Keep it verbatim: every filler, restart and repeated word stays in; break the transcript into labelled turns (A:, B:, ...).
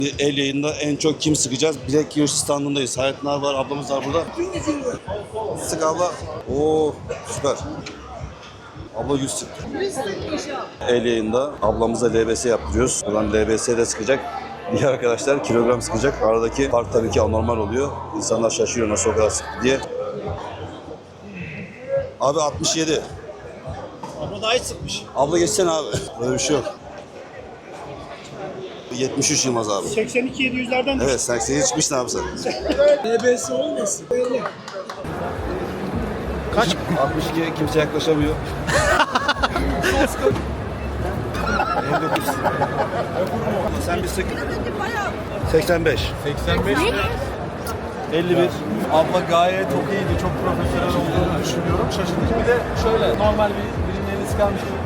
A: El yayında en çok kim sıkacağız? Bilek yarışı standındayız. Hayatlar var, ablamız var burada. Sık abla. Oo süper. Abla yüz sık. El yayında ablamıza L B S yaptırıyoruz. Buradan L B S de sıkacak. Diğer arkadaşlar kilogram sıkacak. Aradaki fark tabii ki anormal oluyor. İnsanlar şaşırıyor nasıl o kadar sıktı diye. Abi altmış yedi.
B: Abla daha hiç sıkmış.
A: Abla geçsene abi. Böyle bir şey yok. yetmiş üç Yılmaz abi.
B: seksen iki yedi yüzlerden de.
A: Evet seksene çıkmışsın abi sen.
B: L B S olmasın. Böyle.
A: Kaç? altmış iki kimse yaklaşamıyor. elli dokuz. Sen bir sık. seksen beş.
C: seksen beş
A: elli bir.
C: Abla gayet çok iyiydi. Çok profesyonel olduğunu düşünüyorum. Şaşırtıcı. Bir de şöyle normal bir birinin elini sıkarmış gibi